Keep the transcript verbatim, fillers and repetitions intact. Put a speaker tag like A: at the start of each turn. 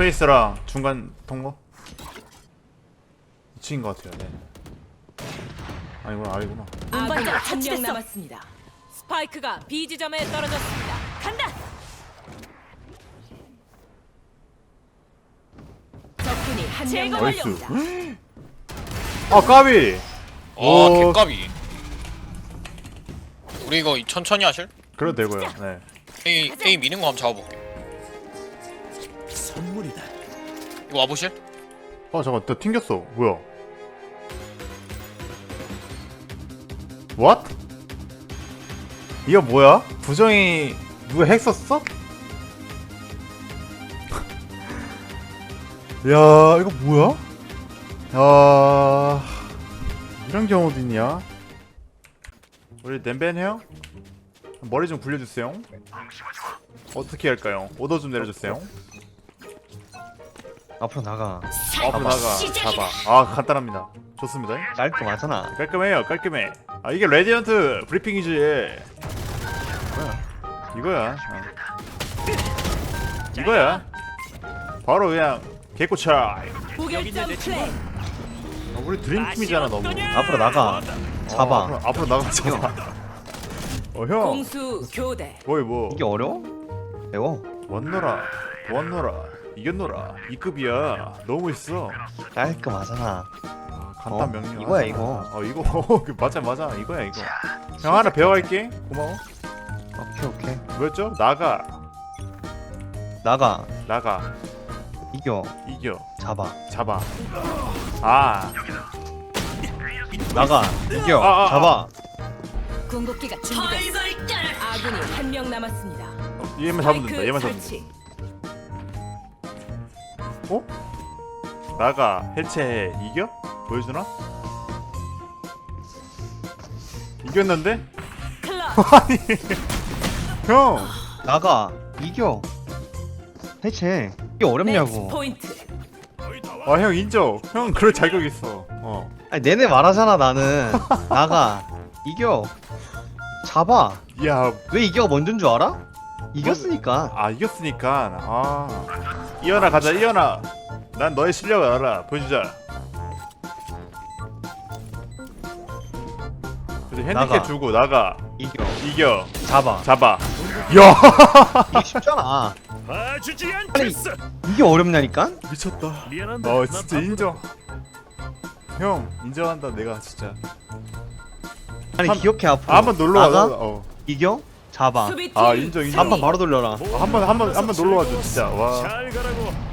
A: 스페이스랑 중간 통로 이층인 것 같아요. 네. 아니구나 아니구나.
B: 아군이 한 명 남았습니다. 스파이크가 B 지점에 떨어졌습니다. 간다. 적군이 한 명 남았습니다.
A: 나이스. 아 까비.
C: 아
A: 오.
C: 개까비. 우리 이거 천천히 하실?
A: 그래도 되고요. 네.
C: A A 미는 거 한번 잡아볼게.
D: 선물이다.
C: 이거 와보실?
A: 어 잠깐 나 튕겼어. 뭐야? What? 이거 뭐야? 부정이 누가 핵 썼어? 야 이거 뭐야? 야 이런 경우도 있냐? 우리 냄벤 해요? 머리 좀 굴려주세요. 어떻게 할까요? 오더 좀 내려주세요.
E: 앞으로 나가.
A: 앞으로 나가 잡아. 아 간단합니다. 좋습니다.
E: 깔끔하잖아.
A: 깔끔해요 깔끔해. 아 이게 레디언트 브리핑이지. 이거야. 어. 이거야. 바로 그냥 개꼬차.
B: 무결점 플레이.
A: 아, 우리 드림팀이잖아 너무.
E: 앞으로 나가. 잡아.
A: 어, 앞으로, 앞으로 나가 잡아. 어 형.
B: 공수 교대.
A: 뭐이 뭐.
E: 이게 어려워? 배워.
A: 왔노라 보았노라 이겼노라 이 급이야. 너무 멋있어.
E: 깔끔하잖아.
A: 아, 간단
E: 어,
A: 명령.
E: 이거야, 이거.
A: 어 이거 맞아 맞아 이거야 이거. 형 하나 배워갈게. 고마워.
E: 오케이 오케이.
A: 뭐였죠? 나가
E: 나가.
A: 나가
E: 이겨.
A: 이겨
E: 잡아.
A: 잡아. 아
E: 나가. 이겨.
A: 아, 아, 아.
E: 잡아.
B: 궁극기가 준비됐습니다. 아군이 한 명 남았습니다.
A: 어, 얘만 잡으면 된다. 얘만 잡으면
B: 설치.
A: 된다. 어? 나가 해체해. 이겨? 보여주나? 이겼는데?
B: 클럽.
A: 아니 형
E: 나가. 이겨. 해체. 이게 어렵냐고.
B: 매치 포인트.
A: 아 형 인정. 형 그럴 자격 있어. 어.
E: 아니 내내 말하잖아 나는. 나가. 이겨. 잡아.
A: 야,
E: 왜 이겨가 먼저인 줄 알아? 이겼으니까.
A: 아 이겼으니까. 아. 이현아 가자. 이현아. 난 너의 실력을 알아. 보여주자. 그래 핸디캡
E: 나가.
A: 주고 나가.
E: 이겨.
A: 이겨.
E: 잡아.
A: 잡아. 야.
E: 이게 쉽잖아.
D: 봐주지
E: 아니
D: 않겠어.
E: 이게 어렵냐니까?
A: 미쳤다.
D: 미안한데.
A: 어
D: 나
A: 진짜
D: 바쁘다.
A: 인정. 형 인정한다 내가 진짜.
E: 아니
A: 한-
E: 기억해 앞으로.
A: 아, 한번 놀러
E: 나가.
A: 와자. 어.
E: 이겨. 잡아.
B: 수비팀
A: 아 인정 인정.
E: 한 번 바로 돌려라.
A: 한 번 한 번 한 번 놀러 와줘 진짜. 와.
D: 잘 가라고.